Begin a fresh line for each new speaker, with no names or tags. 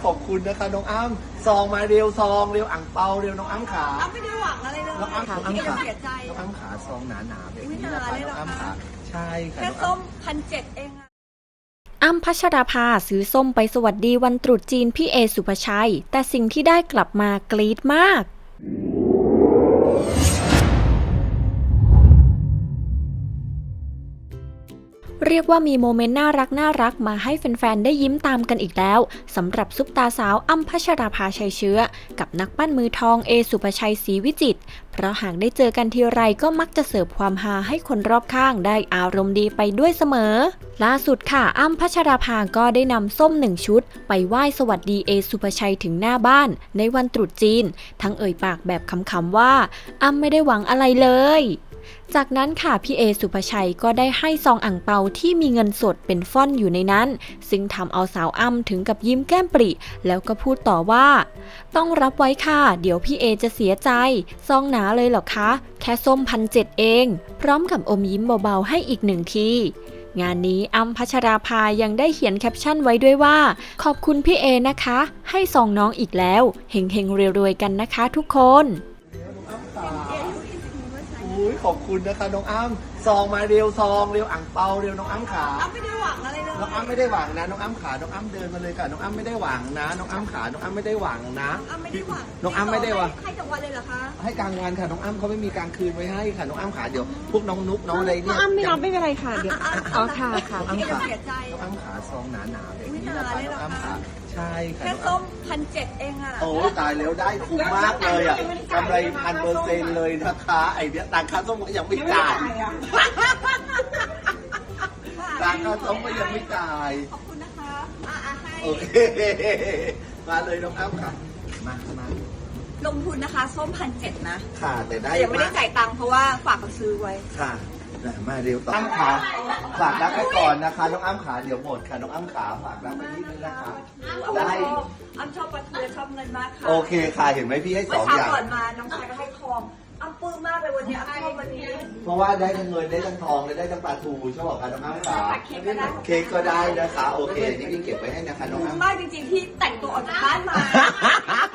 ขอบคุณนะคะน้องอ้ำซองมาเร็วซองเร็วอ่างเปาเร็วน้องอ้ำขา
อ้ำไม่ได้หวังอะไรเลย
น้องอ้ำขาน้องอ้ำขา
เสียใจ
น้องอ้ำขาซองหนาๆแบบนี้นะคะน้องอ้ำขาใช่ค่ะ
แค่ส้ม1,700เองอะ
อ้ำพัชราภาซื้อส้มไปสวัสดีวันตรุษจีนพี่เอสุภชัยแต่สิ่งที่ได้กลับมากรี๊ดมากเรียกว่ามีโมเมนต์น่ารักมาให้แฟนๆได้ยิ้มตามกันอีกแล้วสำหรับซุปตาสาวอ้ำพัชราภาชัยเชื้อกับนักปั้นมือทองเอสุภชัยศรีวิจิตรเพราะหากได้เจอกันทีไรก็มักจะเสิร์ฟความฮาให้คนรอบข้างได้อารมณ์ดีไปด้วยเสมอล่าสุดค่ะอ้ำพัชราภาก็ได้นำส้ม1 ชุดไปไหว้สวัสดีเอสุภชัยถึงหน้าบ้านในวันตรุษจีนทั้งเอ่ยปากแบบขำๆว่าอ้ำไม่ได้หวังอะไรเลยจากนั้นค่ะพี่เอสุภชัยก็ได้ให้ซองอั่งเปาที่มีเงินสดเป็นฟ่อนอยู่ในนั้นซึ่งทำเอาสาวอ้ำถึงกับยิ้มแก้มปริแล้วก็พูดต่อว่าต้องรับไว้ค่ะเดี๋ยวพี่เอจะเสียใจซองหนาเลยเหรอคะแค่ส้ม1,700เองพร้อมกับอมยิ้มเบาๆให้อีก1 ทีงานนี้อ้ำพัชราภายังได้เขียนแคปชั่นไว้ด้วยว่าขอบคุณพี่เอนะคะให้ซองน้องอีกแล้วเฮงๆรวยๆกันนะคะทุกคน
ขอบคุณนะคะน้องอ้ำซองมาเร็วซองเร็วอ่างเปาเร็วน้องอ้ำขา
อ้ำไม่ได้หวังอะไรเลย
น้องอ้ำไม่ได้หวังนะน้องอ้ำขาน้องอ้ำเดินมาเลยค่ะน้องอ้ำไม่ได้หวังนะน้องอ้ำขาน้องอ้ำไม่ได้หวังนะ
อ้ำไม่ได้หวัง
น้องอ้ำไม่ได้หวัง
ให้กลางวันเลยเหรอคะ
ให้กลางวันค่ะน้องอ้ำเขาไม่มีกลางคืนไว้ให้ค่ะน้องอ้ำขาเดี๋ยวพวกน้องนุ๊กน้องอะไรเนี่ย
อ้ำไม่รับไม่เป็นไรค่ะเดี๋ยวอ๋อค่ะค่ะ
น้องอ้ำขา
เสียใจ
น้องอ้ำขาซองหนาๆแบบนี้นะคะน้องอ้ำขาใช่ค่ะ
แค่ส้ม1,700เองอะ
โอ้ตายแล้วได้คุ้มมากเลยอ่ะกำไร1,000%เลยนะคะไอเนี้ยต่างค่าส้มก็ยังไม่จ่ายต่างค่าส้มก็ยังไม่จ่าย
ขอบคุณนะคะให้
โอเคมาเลยน้องอ้ำค่ะมา
ลงทุนนะคะส้ม1,700นะ
ค่ะแต่ได้
แต่ยังไม่ได้จ่ายตังค์เพราะว่าฝากเขาซื้อไว้
ค่ะมาเร็วต่ออ้ำขาฝากรักไว้ก่อนนะคะน้องอ้ำขาเดี๋ยวหมดค่ะน้องอ้ำขาฝากรักไว้นิดนึงนะคะได้
อ้ำชอบปลาทูชอบเงินมากค่ะ
โอเคค่ะเห็นไหมพี่ให้2 อย่าง
ก่อนมาน้องชายก็ให้ทองอ้ำปลื้มมากเลยวันนี้อ้ำชอบวันนี้
เพราะว่าได้ทั้งเงินได้ทั้งทองและได้ทั้งปลาทูชอบค่ะน้องอ้ำขาเค้กก็ได้นะคะโอเคนี่พี่เก็บไว้ให้นะคะน้องอ้ำ
มากจริงๆที่แต่งตัวออกจากบ้านมา